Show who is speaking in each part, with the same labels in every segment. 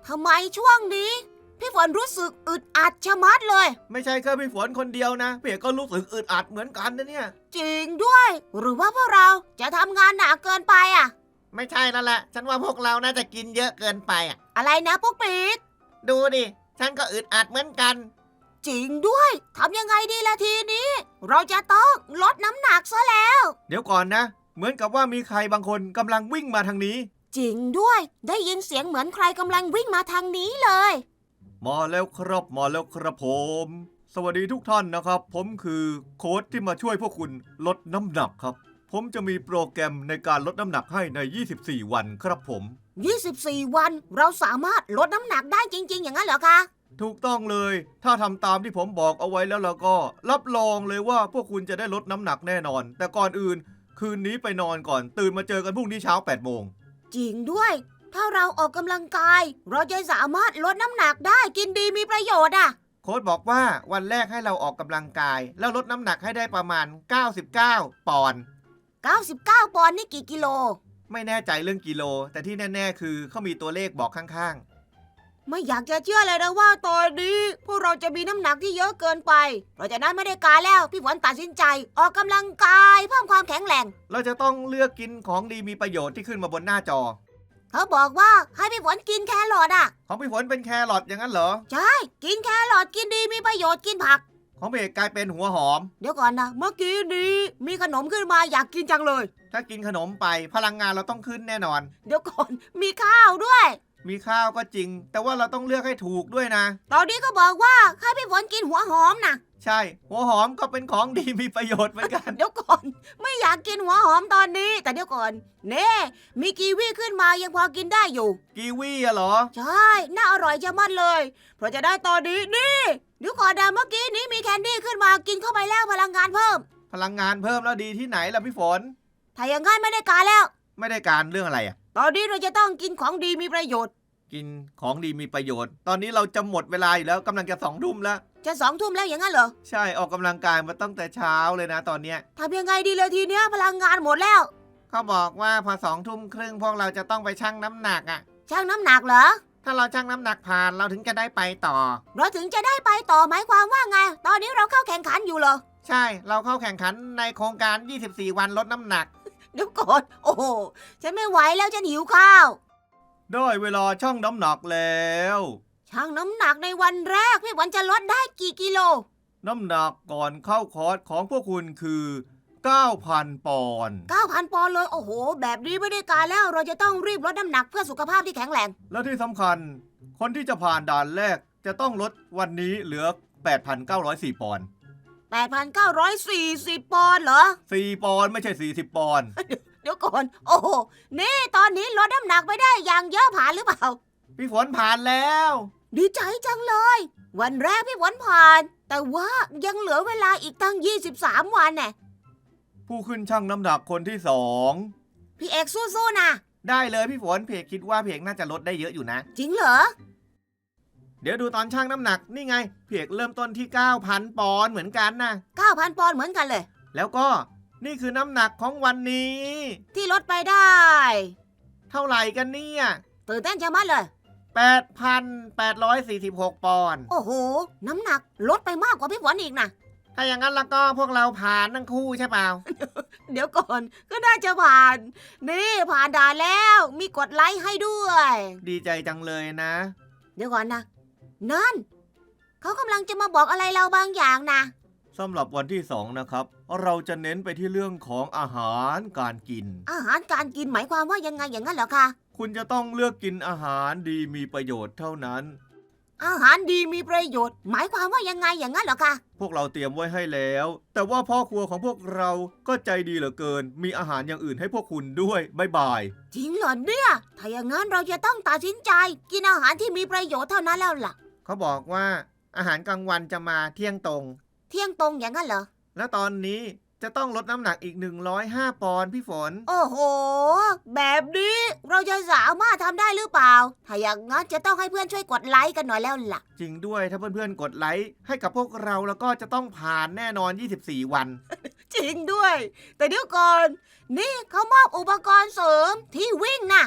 Speaker 1: ทำไมช่วงนี้พี่ฝนรู้สึกอึดอัดชะมัดเลย
Speaker 2: ไม่ใช่แค่พี่ฝนคนเดียวนะพี่เอกก็รู้สึกอึดอัดเหมือนกันนะเนี่ย
Speaker 1: จริงด้วย หรือว่าพวกเราจะทำงานหนักเกินไปอ่ะ
Speaker 2: ไม่ใช่นั่นแหละฉันว่าพวกเราน่าจะกินเยอะเกินไปอ่ะ
Speaker 1: อะไรนะปุ๊กปิ๊ก
Speaker 2: ดูดิฉันก็อึดอัดเหมือนกัน
Speaker 1: จริงด้วยทำยังไงดีล่ะทีนี้ เราจะต้องลดน้ำหนักซะแล้ว
Speaker 2: เดี๋ยวก่อนนะเหมือนกับว่ามีใครบางคนกำลังวิ่งมาทางนี้
Speaker 1: จริงด้วยได้ยินเสียงเหมือนใครกำลังวิ่งมาทางนี้เลย
Speaker 2: มาแล้วครับมาแล้วครับผมสวัสดีทุกท่านนะครับผมคือโค้ชที่มาช่วยพวกคุณลดน้ำหนักครับผมจะมีโปรแกรมในการลดน้ำหนักให้ใน24วันครับผม
Speaker 1: 24 วันเราสามารถลดน้ำหนักได้จริงๆอย่างนั้นเหรอคะ
Speaker 2: ถูกต้องเลยถ้าทำตามที่ผมบอกเอาไว้แล้วก็รับรองเลยว่าพวกคุณจะได้ลดน้ำหนักแน่นอนแต่ก่อนอื่นคืนนี้ไปนอนก่อนตื่นมาเจอกันพรุ่งนี้เช้า8 โมง
Speaker 1: จริงด้วยถ้าเราออกกำลังกายเราจะสามารถลดน้ำหนักได้กินดีมีประโยชน์อ่ะ
Speaker 2: โค้ชบอกว่าวันแรกให้เราออกกำลังกายแล้วลดน้ำหนักให้ได้ประมาณ99 ปอนด์
Speaker 1: 99 ปอนด์นี่กี่กิโล
Speaker 2: ไม่แน่ใจเรื่องกิโลแต่ที่แน่ๆคือเขามีตัวเลขบอกข้าง
Speaker 1: ๆไม่อยากจะเชื่อเลยนะว่าตอนนี้พวกเราจะมีน้ำหนักที่เยอะเกินไปเพราะฉะนั้นไม่ได้การแล้วพี่ฝนตัดสินใจออกกำลังกายเพิ่มความแข็งแรง
Speaker 2: เราจะต้องเลือกกินของดีมีประโยชน์ที่ขึ้นมาบนหน้าจอ
Speaker 1: เขาบอกว่าให้พี่ฝนกินแครอทอ่ะ
Speaker 2: ของพี่ฝนเป็นแครอทอย่างนั้นเหรอ
Speaker 1: ใช่กินแครอทกินดีมีประโยชน์กินผัก
Speaker 2: ของพี่เอกกลายเป็นหัวหอม
Speaker 1: เดี๋ยวก่อนนะเมื่อกี้นี้มีขนมขึ้นมาอยากกินจังเลย
Speaker 2: ถ้ากินขนมไปพลังงานเราต้องขึ้นแน่นอน
Speaker 1: เดี๋ยวก่อนมีข้าวด้วย
Speaker 2: มีข้าวก็จริงแต่ว่าเราต้องเลือกให้ถูกด้วยนะ
Speaker 1: ตอนนี้ก็บอกว่าให้พี่ฝนกินหัวหอมนะ
Speaker 2: ใช่หัวหอมก็เป็นของดีมีประโยชน์เหมือนกัน
Speaker 1: เดี๋ยวก่อนไม่อยากกินหัวหอมตอนนี้แต่เดี๋ยวก่อนเน่มีกีวีขึ้นมายังพอกินได้อยู่
Speaker 2: กีวีอะเหรอ
Speaker 1: ใช่น่าอร่อยจะมัดเลยเพราะจะได้ตอนนี้นี่เดี๋ยวก่อนนะเมื่อกี้นี้มีแคนดี้ขึ้นมากินเข้าไปแล้วพลังงานเพิ่ม
Speaker 2: พลังงานเพิ่มแล้วดีที่ไหนล่ะพี่ฝน
Speaker 1: ถ้าอย่างงั้นไม่ได้การแล้ว
Speaker 2: ไม่ได้การเรื่องอะไรอะ
Speaker 1: ตอนนี้เราจะต้องกินของดีมีประโยชน์
Speaker 2: กินของดีมีประโยชน์ตอนนี้เราจะหมดเวลาอยู่แล้วกำลังจะ2 ทุ่มแล้ว
Speaker 1: จะ2 ทุ่มแล้วอย่างนั้นเหรอ
Speaker 2: ใช่ออกกำลังกายมาตั้งแต่เช้าเลยนะตอนเนี้ย
Speaker 1: ทำยังไงดีเลยทีเนี้ยพลังงานหมดแล้ว
Speaker 2: เขาบอกว่าพอ20:30พวกเราจะต้องไปชั่งน้ำหนักอะ
Speaker 1: ชั่งน้ำหนักเหรอ
Speaker 2: ถ้าเราชั่งน้ำหนักผ่านเราถึงจะได้ไปต่อ
Speaker 1: เราถึงจะได้ไปต่อหมายความว่าไงตอนนี้เราเข้าแข่งขันอยู่เหรอ
Speaker 2: ใช่เราเข้าแข่งขันในโครงการ24 วันลดน้ำหนัก
Speaker 1: เดี๋ยวก่อนโอ้โหฉันไม่ไหวแล้วฉันหิวข้าว
Speaker 2: ได้เวลาชั่งน้ำหนักแล้ว
Speaker 1: ชั่งน้ำหนักในวันแรกพี่วันจะลดได้กี่กิโล
Speaker 2: น้ำหนักก่อนเข้าคอร์สของพวกคุณคือ 9,000 ปอนด์
Speaker 1: 9,000 ปอนด์เลยโอ้โหแบบนี้ไม่ได้การแล้วเราจะต้องรีบลดน้ำหนักเพื่อสุขภาพที่แข็งแรง
Speaker 2: และที่สำคัญคนที่จะผ่านด่านแรกจะต้องลดวันนี้เหลือ 8,904 ปอนด์
Speaker 1: 8,940 ปอนด์เหรอ
Speaker 2: 4 ปอนด์ไม่ใช่40 ปอนด์
Speaker 1: เดี๋ยวก่อนโอ้โหนี่ตอนนี้ลดน้ำหนักไปได้อย่างเยอะผ่านหรือเปล่า
Speaker 2: พี่ฝนผ่านแล้ว
Speaker 1: ดีใจจังเลยวันแรกพี่ฝนผ่านแต่ว่ายังเหลือเวลาอีกตั้ง23 วันแน่
Speaker 2: ผู้ขึ้นชั่งน้ำหนักคนที่2
Speaker 1: พี่เอกสู้ๆนะ
Speaker 2: ได้เลยพี่ฝนเพกคิดว่าเพกน่าจะลดได้เยอะอยู่นะ
Speaker 1: จริงเหรอ
Speaker 2: เดี๋ยวดูตอนชั่งน้ำหนักนี่ไงเพกเริ่มต้นที่ 9,000 ปอนด์เหมือนกันนะ
Speaker 1: 9,000 ปอนด์เหมือนกันเลย
Speaker 2: แล้วก็นี่คือน้ำหนักของวันนี้
Speaker 1: ที่ลดไปได้
Speaker 2: เท่าไหร่กันเนี่ย
Speaker 1: ตื่นเต้นจังมากเลย
Speaker 2: 8,846 ปอนด์
Speaker 1: โอ้โหน้ำหนักลดไปมากกว่าพี่ฝนอีกนะ
Speaker 2: ถ้าอย่างนั้นแล้วก็พวกเราผ่านทั้งคู่ใช่เปล่า
Speaker 1: เดี๋ยวก่อนก็น่าจะผ่านนี่ผ่านด่านแล้วมีกดไลค์ให้ด้วย
Speaker 2: ดีใจจังเลยนะ
Speaker 1: เดี๋ยวก่อนนะนั่นเขากำลังจะมาบอกอะไรเราบางอย่างนะ
Speaker 2: สำหรับวันที่2นะครับเราจะเน้นไปที่เรื่องของอาหารการกิน
Speaker 1: อาหารการกินหมายความว่ายังไงอย่างนั้นเหรอคะ
Speaker 2: คุณจะต้องเลือกกินอาหารดีมีประโยชน์เท่านั้น
Speaker 1: อาหารดีมีประโยชน์หมายความว่ายังไงอย่างนั้นเหรอคะ
Speaker 2: พวกเราเตรียมไว้ให้แล้วแต่ว่าพ่อครัวของพวกเราก็ใจดีเหลือเกินมีอาหารอย่างอื่นให้พวกคุณด้วยบ๊ายบาย
Speaker 1: จริงเหรอเนี่ยถ้าอย่างนั้นเราจะต้องตัดสินใจกินอาหารที่มีประโยชน์เท่านั้นแล้วล่ะ
Speaker 2: เขาบอกว่าอาหารกลางวันจะมาเที่ยงตรง
Speaker 1: อย่างนั้นเหรอ
Speaker 2: และตอนนี้จะต้องลดน้ำหนักอีก105 ปอนด์พี่ฝน
Speaker 1: โอ้โหแบบนี้เราจะสามารถทำได้หรือเปล่าถ้าอย่างนั้นจะต้องให้เพื่อนช่วยกดไลค์กันหน่อยแล้วล่ะ
Speaker 2: จริงด้วยถ้าเพื่อนๆกดไลค์ให้กับพวกเราแล้วก็จะต้องผ่านแน่นอน24 วัน
Speaker 1: จริงด้วยแต่เดี๋ยวก่อนนี่เขามอบอุปกรณ์เสริมที่วิ่งนะ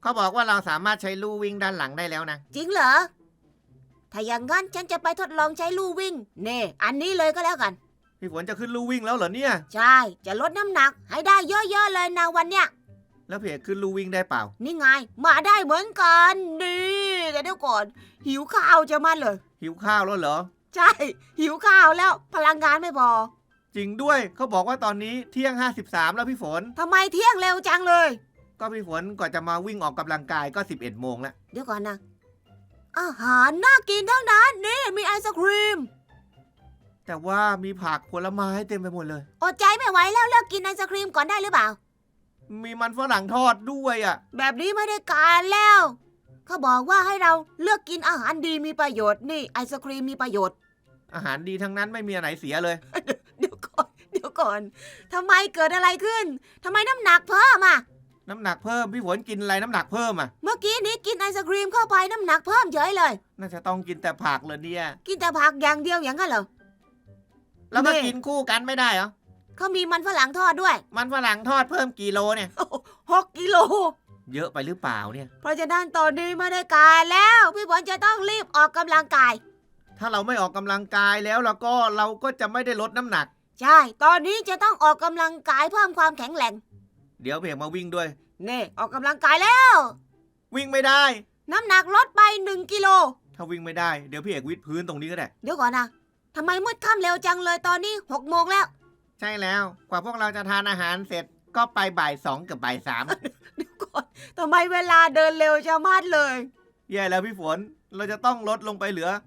Speaker 3: เขาบอกว่าเราสามารถใช้ลู่วิ่งด้านหลังได้แล้วนะ
Speaker 1: จริงเหรอ ถ้าอย่างงั้นฉันจะไปทดลองใช้ลู่วิ่งเน่อันนี้เลยก็แล้วกัน
Speaker 2: พี่ฝนจะขึ้นลู่วิ่งแล้วเหรอเนี่ย
Speaker 1: ใช่ จะลดน้ำหนักให้ได้เยอะๆเลยนะวันเนี้ย
Speaker 2: แล้วพี่เอกขึ้นลู่วิ่งได้เปล่า
Speaker 1: นี่ไง มาได้เหมือนกันนี่แต่เดี๋ยวก่อน หิวข้าวจะมาเลย
Speaker 2: หิวข้าวแล้วเหรอ
Speaker 1: ใช่ หิวข้าวแล้วพลังงานไม่พอ
Speaker 2: จริงด้วยเขาบอกว่าตอนนี้เที่ยง53แล้วพี่ฝน
Speaker 1: ทำไมเที่ยงเร็วจังเลย
Speaker 2: ก็พี่ฝนก่อนจะมาวิ่งออกกำลังกายก็11โมงแล้ว
Speaker 1: เดี๋ยวก่อนนะ อาหารน่ากินทั้งนั้นนี่มีไอศครีม
Speaker 2: แต่ว่ามีผักผลไม้เต็มไปหมดเลย
Speaker 1: อดใจไม่ไหวแล้วเลิกกินไอศครีมก่อนได้หรือเปล่า
Speaker 2: มีมันฝรั่งทอดด้วยอ่ะ
Speaker 1: แบบนี้ไม่ได้การแล้ว เขาบอกว่าให้เราเลือกกินอาหารดีมีประโยชน์นี่ไอศครีมมีประโยชน์
Speaker 2: อาหารดีทั้งนั้นไม่มีอันไหนเสียเลย
Speaker 1: เดี๋ยวก่อนทำไมเกิดอะไรขึ้นทำไมน้ำหนักเพิ่มอ่ะ
Speaker 2: น้ำหนักเพิ่มพี่ฝนกินอะไรน้ำหนักเพิ่มอ่ะ
Speaker 1: เมื่อกี้นี้กินไอศครีมเข้าไปน้ำหนักเพิ่มเฉยเลย
Speaker 2: น่าจะต้องกินแต่ผักเลยเนี่ย
Speaker 1: กินแต่ผักอย่างเดียวอย่างนั้นเหรอ
Speaker 3: แล้วก็
Speaker 1: นี่
Speaker 3: กินคู่กันไม่ได้เหรอ
Speaker 1: เขามีมันฝรั่งทอดด้วย
Speaker 3: มันฝรั่งทอดเพิ่มกี่โลเนี่ย
Speaker 1: 6 กิโล
Speaker 2: เยอะไปหรือเปล่าเนี่ย
Speaker 1: เพราะฉะนั้นตอนนี้ไม่ได้การแล้วพี่ฝนจะต้องรีบออกกำลังกาย
Speaker 2: ถ้าเราไม่ออกกำลังกายแล้วเราก็จะไม่ได้ลดน้ำหนัก
Speaker 1: ใช่ ตอนนี้จะต้องออกกำลังกายเพิ่มความแข็งแรง
Speaker 2: เดี๋ยวพี่เอกมาวิ่งด้วย
Speaker 1: นี่ออกกำลังกายแล้ว
Speaker 2: วิ่งไม่ได้
Speaker 1: น้ำหนักลดไป1 กิโล
Speaker 2: ถ้าวิ่งไม่ได้เดี๋ยวพี่เอกวิดพื้นตรงนี้ก็ได้
Speaker 1: เดี๋ยวก่อนนะทำไมมืดค่ำเร็วจังเลยตอนนี้6 โมงแล้ว
Speaker 3: ใช่แล้ว กว่าพวกเราจะทานอาหารเสร็จก็ไปบ่าย2กับบ่าย3
Speaker 1: เดี๋ยวก่อนทำไมเวลาเดินเร็วจะมากเลย
Speaker 2: แย่แล้วพี่ฝนเราจะต้องลดลงไปเหลือ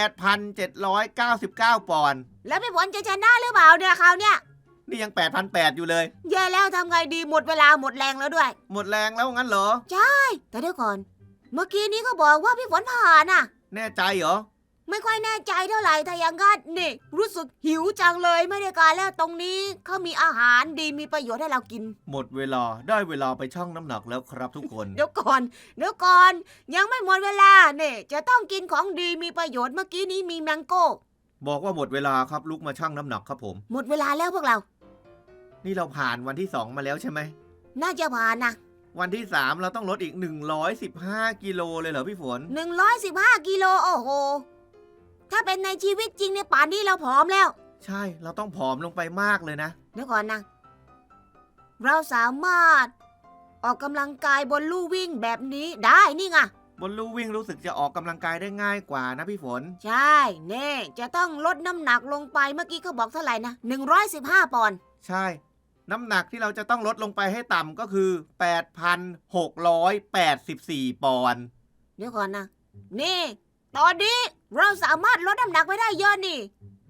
Speaker 2: 8,799 ปอนด์
Speaker 1: แล้วพี่ฝนจะชนะหรือเปล่าเนี่ยคราวเนี้ย
Speaker 2: นี่ยัง8,800อยู่เลย
Speaker 1: แย่แล้วทำไงดีหมดเวลาหมดแรงแล้วด้วย
Speaker 2: หมดแรงแล้วงั้นเหรอ
Speaker 1: แต่เดี๋ยวก่อน เมื่อกี้นี้ก็บอกว่าพี่ฝนผ่านน่ะ
Speaker 2: แน่ใจเหรอ
Speaker 1: ไม่ค่อยแน่ใจเท่าไหร่ถ้าอย่างงั้นนี่ รู้สึกหิวจังเลยไม่ได้การแล้วตรงนี้เขามีอาหารดีมีประโยชน์ให้เรากิน
Speaker 2: หมดเวลาได้เวลาไปชั่งน้ำหนักแล้วครับทุกคน
Speaker 1: เดี๋ยวก่อน ยังไม่หมดเวลาเนี่ยจะต้องกินของดีมีประโยชน์เมื่อกี้นี้มีแมงโก้
Speaker 2: บอกว่าหมดเวลาครับลุกมาชั่งน้ำหนักครับผม
Speaker 1: หมดเวลาแล้วพวกเรา
Speaker 2: นี่เราผ่านวันที่ 2 มาแล้วใช่ไหม
Speaker 1: น่าจะผ่านนะ
Speaker 2: วันที่ 3 เราต้องลดอีก115 กิโลเลยเหรอพี่ฝน
Speaker 1: 115 กิโลโอ้โห ถ้าเป็นในชีวิตจริงในยป่านนี้เราผอมแล้ว
Speaker 2: ใช่เราต้องผอมลงไปมากเลยนะ
Speaker 1: เดี๋ยวก่อนนะ เราสามารถออกกำลังกายบนลู่วิ่งแบบนี้ได้นี่ไง
Speaker 2: บนลู่วิ่งรู้สึกจะออกกำลังกายได้ง่ายกว่านะพี่ฝน
Speaker 1: ใช่เน่จะต้องลดน้ำหนักลงไปเมื่อกี้เขาบอกเท่าไหร่นะ115 ปอนด์
Speaker 2: ใช่ น้ำหนักที่เราจะต้องลดลงไปให้ต่ำก็คือ 8,684 ปอนด์
Speaker 1: เดี๋ยวก่อนนะ นี่ ตอนนี้เราสามารถลดน้ำหนักไปได้เยอะนี่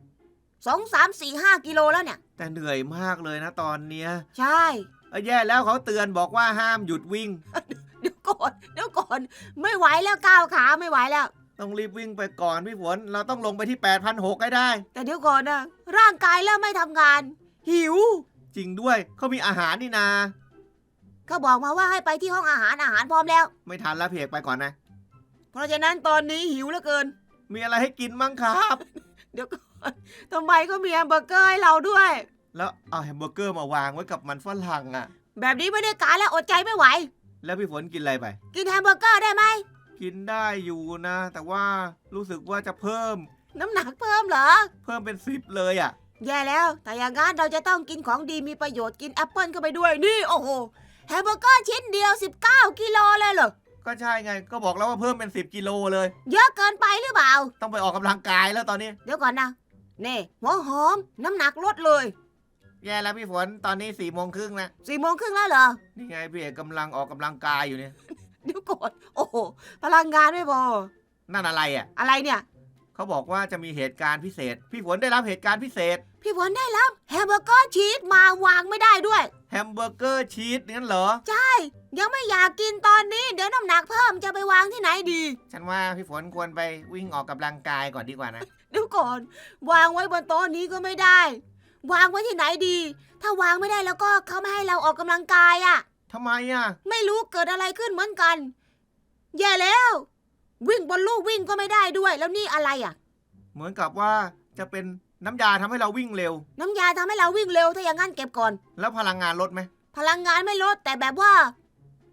Speaker 1: 2, 3, 4, 5 กิโลแล้วเนี่ย
Speaker 2: แต่เหนื่อยมากเลยนะตอนเนี้ย
Speaker 1: ใช่
Speaker 2: แย่แล้วเขาเตือนบอกว่าห้ามหยุดวิ่ง
Speaker 1: เดี๋ยวก่อน ไม่ไหวแล้วก้าวขาไม่ไหวแล้ว
Speaker 2: ต้องรีบวิ่งไปก่อนพี่ฝน เราต้องลงไปที่ 8,600 ให้ได้
Speaker 1: แต่เดี๋ยวก่อนนะ ร่างกายเริ่มไม่ทำงาน หิว
Speaker 2: จริงด้วยเขามีอาหารนี่นา
Speaker 1: เขาบอกมาว่าให้ไปที่ห้องอาหารพร้อมแล้ว
Speaker 2: ไม่ทันแล้วพี่เอกไปก่อนนะ
Speaker 1: เพราะฉะนั้นตอนนี้หิวเหลือเกิน
Speaker 2: มีอะไรให้กินมั้งครับ
Speaker 1: เดี๋ยวก่อนทำไมก็มีแฮมเบอร์เกอร์ให้เราด้วย
Speaker 2: แล้วเอาแฮมเบอร์เกอร์มาวางไว้กับมันฝรั่งอ่ะ
Speaker 1: แบบนี้ไม่ได้การแล้วอดใจไม่ไหว
Speaker 2: แล้วพี่ฝนกินอะไรไป
Speaker 1: กินแฮมเบอร์เกอร์ได้ไหม
Speaker 2: กินได้อยู่นะ แต่ว่ารู้สึกว่าจะเพิ่ม
Speaker 1: น้ำหนักเพิ่มเหรอ
Speaker 2: เพิ่มเป็น10เลยอ่ะ
Speaker 1: แย่แล้ว แต่อย่างงั้นเราจะต้องกินของดีมีประโยชน์กินแอปเปิลเข้าไปด้วย นี่โอ้โห แฮมเบอร์เกอร์ชิ้นเดียว19 กิโลเลยเหรอ
Speaker 2: ก็ใช่ไง ก็บอกแล้วว่าเพิ่มเป็น10 กิโลเลย
Speaker 1: เยอะเกินไปหรือเปล่า
Speaker 2: ต้องไปออกกำลังกายแล้วตอนนี้
Speaker 1: เดี๋ยวก่อนนะนี่หัวหอม น้ำหนักลดเลย
Speaker 3: แย่แล้วพี่ฝนตอนนี้4 โมงครึ่งนะ
Speaker 1: 4 โมงครึ่งแล้วเหรอ
Speaker 2: นี่ไงพี่เอกกำลังออกกำลังกายอยู่เนี่ย
Speaker 1: เดี๋ยวก่อน โอ้โห พลังงานไม่พอ
Speaker 2: นั่นอะไรอ่ะ
Speaker 1: อะไรเนี่ย
Speaker 2: เขาบอกว่าจะมีเหตุการณ์พิเศษ พี่ฝนได้รับเหตุการณ์พิเศษ
Speaker 1: พี่ฝนได้รับแฮมเบอร์เกอร์ชีสมาวางไม่ได้ด้วย
Speaker 2: แฮมเบอร์เกอร์ชีสงั้นเหรอ
Speaker 1: ยังไม่อยากกินตอนนี้ เดี๋ยวน้ำหนักเพิ่มจะไปวางที่ไหนดี
Speaker 3: ฉันว่าพี่ฝนควรไปวิ่งออกกำลังกายก่อนดีกว่านะ
Speaker 1: เดี๋ยวก่อน วางไว้บนโต๊ะนี้ก็ไม่ได้ วางไว้ที่ไหนดี ถ้าวางไม่ได้แล้วก็เขาไม่ให้เราออกกำลังกายอะ
Speaker 2: ทำไมอ่ะ
Speaker 1: ไม่รู้เกิดอะไรขึ้นเหมือนกัน แย่แล้ว วิ่งบนลู่วิ่งก็ไม่ได้ด้วย แล้วนี่อะไรอะ
Speaker 2: เหมือนกับว่าจะเป็นน้ำยาทำให้เราวิ่งเร็ว
Speaker 1: น้ำยาทำให้เราวิ่งเร็วถ้าอย่างนั้นเก็บก่อน
Speaker 2: แล้วพลังงานลดไหม
Speaker 1: พลังงานไม่ลดแต่แบบว่า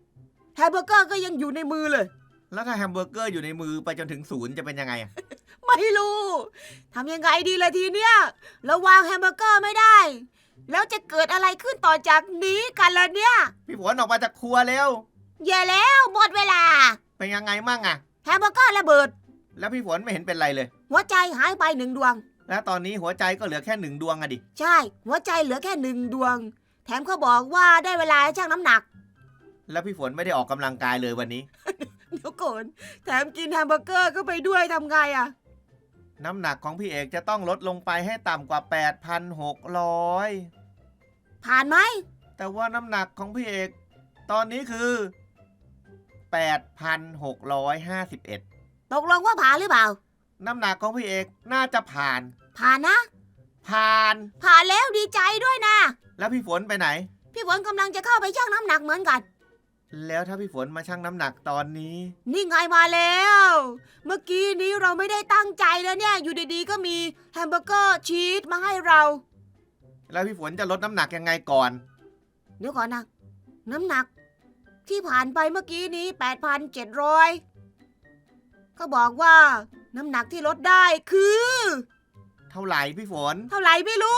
Speaker 1: แฮมเบอร์เกอร์ก็ยังอยู่ในมือเลย
Speaker 3: แล้วถ้าแฮมเบอร์เกอร์อยู่ในมือไปจนถึง0จะเป็นยังไงอะ
Speaker 1: ไม่รู้ทำยังไงดีล่ะทีเนี้ยเราวางแฮมเบอร์เกอร์ไม่ได้ แล้วจะเกิดอะไรขึ้นต่อจากนี้กันล่ะเนี่ย
Speaker 3: พี่ฝนออกมาจากครัวเร็ว
Speaker 1: แย่แล้วหมดเวลา
Speaker 3: เป็นยังไงมั่งอะ
Speaker 1: แฮมเบอร์เกอร์ระเบิด
Speaker 3: แล้วพี่ฝนไม่เห็นเป็นไรเลย
Speaker 1: หัวใจหายไป1 ดวง
Speaker 3: แล้วตอนนี้หัวใจก็เหลือแค่1 ดวงอะดิ
Speaker 1: ใช่ หัวใจเหลือแค่1 ดวง แถมเขาบอกว่าได้เวลาชั่งน้ำหนัก
Speaker 3: แล้วพี่ฝนไม่ได้ออกกำลังกายเลยวันนี้
Speaker 1: เดี๋ยวก่อนแถมกินแฮมเบอร์เกอร์ก็ไปด้วยทำไงอะ
Speaker 3: น้ำหนักของพี่เอกจะต้องลดลงไปให้ต่ำกว่า 8,600
Speaker 1: ผ่านไหม
Speaker 3: แต่ว่าน้ำหนักของพี่เอก ตอนนี้คือ 8,651
Speaker 1: ตกลงว่าผ่านหรือเปล่า
Speaker 3: น้ำหนักของพี่เอกน่าจะผ่าน
Speaker 1: ผ่านนะ
Speaker 3: ผ่าน
Speaker 1: ผ่านแล้วดีใจด้วยนะ
Speaker 3: แล้วพี่ฝนไปไหน
Speaker 1: พี่ฝนกำลังจะเข้าไปชั่งน้ำหนักเหมือนกัน
Speaker 3: แล้วถ้าพี่ฝนมาชั่งน้ำหนักตอนนี้
Speaker 1: นี่ไงมาแล้ว เมื่อกี้นี้เราไม่ได้ตั้งใจแล้วเนี่ย อยู่ดีๆก็มีแฮมเบอร์เกอร์ชีสมาให้เรา
Speaker 3: แล้วพี่ฝนจะลดน้ำหนักยังไงก่อน
Speaker 1: เดี๋ยวก่อนนะ น้ำหนักที่ผ่านไปเมื่อกี้นี้ 8,700เขาบอกว่าน้ำหนักที่ลดได้คือ
Speaker 3: เท่าไหร่พี่ฝน
Speaker 1: เท่าไหร่ไม่รู้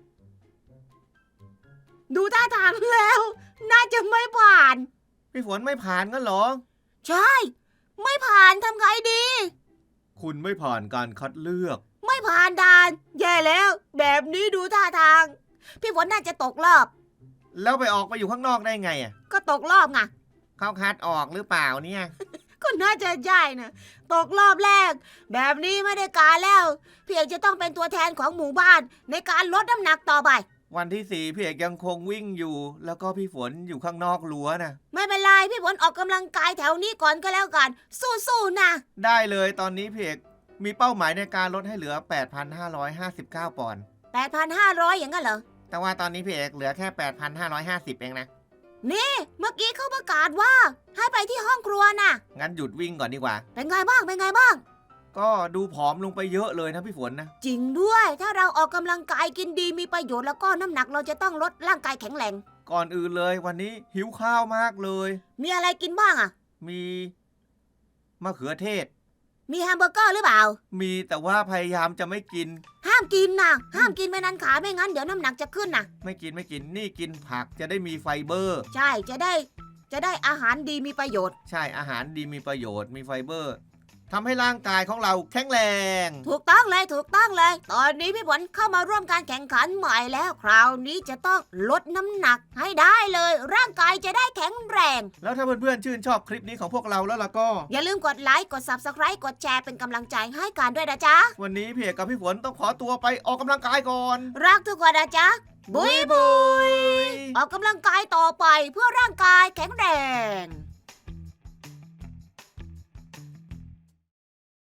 Speaker 1: ดูท่าทางแล้ว น่าจะไม่ผ่าน
Speaker 3: พี่ฝนไม่ผ่านก็เหรอ
Speaker 1: ใช่ ไม่ผ่านทำไงดี
Speaker 2: คุณไม่ผ่านการคัดเลือก
Speaker 1: ไม่ผ่านด่าน แย่แล้ว แบบนี้ดูท่าทาง พี่ฝนน่าจะตกรอบ
Speaker 3: แล้วไปออกไปอยู่ข้างนอกได้ไงอ่ะ
Speaker 1: ก็ตกรอบไง
Speaker 3: เขาคัดออกหรือเปล่าเนี่ย
Speaker 1: ก็น่าจะใช่นะตกรอบแรก แบบนี้ไม่ได้การแล้ว พี่เอกจะต้องเป็นตัวแทนของหมู่บ้าน ในการลดน้ำหนักต่อไป
Speaker 3: วันที่4พี่เอกยังคงวิ่งอยู่ แล้วก็พี่ฝนอยู่ข้างนอกรั้วนะ
Speaker 1: ไม่เป็นไรพี่ฝนออกกำลังกายแถวนี้ก่อนก็แล้วกัน สู้ๆนะ
Speaker 3: ได้เลยตอนนี้พี่เอกมีเป้าหมายในการลดให้เหลือ 8,559 ปอนด์
Speaker 1: 8,500 อย่างนั้นเหรอ
Speaker 3: แต่ว่าตอนนี้พี่เอกเหลือแค่ 8,550 เองนะ
Speaker 1: นี่เมื่อกี้เขาประกาศว่า ให้ไปที่ห้องครัวน่ะ
Speaker 3: งั้นหยุดวิ่งก่อนดีกว่า
Speaker 1: เป็นไงบ้างเป็นไงบ้าง
Speaker 3: ก็ดูผอมลงไปเยอะเลยนะพี่ฝนนะ
Speaker 1: จริงด้วย ถ้าเราออกกำลังกายกินดีมีประโยชน์แล้วก็น้ำหนักเราจะต้องลดร่างกายแข็งแรง
Speaker 3: ก่อนอื่นเลยวันนี้หิวข้าวมากเลย
Speaker 1: มีอะไรกินบ้างอ่ะ
Speaker 3: มีมะเขือเทศ
Speaker 1: มีแฮมเบอร์เกอร์หรือเปล่า
Speaker 3: มีแต่ว่าพยายามจะไม่กิน
Speaker 1: ห้ามกินนะห้ามกินไปนันขาไม่งั้นเดี๋ยวน้ำหนักจะขึ้นนะ
Speaker 3: ไม่กินนี่กินผักจะได้มีไฟเบอร์
Speaker 1: ใช่จะได้อาหารดีมีประโยชน์
Speaker 3: ใช่อาหารดีมีประโยชน์มีไฟเบอร์ทำให้ร่างกายของเราแข็งแรง
Speaker 1: ถูกต้องเลยถูกต้องเลย ตอนนี้พี่ฝนเข้ามาร่วมการแข่งขันใหม่แล้ว คราวนี้จะต้องลดน้ำหนักให้ได้เลย ร่างกายจะได้แข็งแรง
Speaker 3: แล้วถ้าเพื่อนๆชื่นชอบคลิปนี้ของพวกเราแล้วล่ะก็
Speaker 1: อย่าลืมกดไลค์กด Subscribe กดแชร์เป็นกำลังใจให้กันด้วยนะจ๊ะ
Speaker 3: วันนี้พี่เอกกับพี่ฝนต้องขอตัวไปออกกำลังกายก่อน
Speaker 1: รักทุกคนนะจ๊ะบุยบุยออกกำลังกายต่อไปเพื่อร่างกายแข็งแรง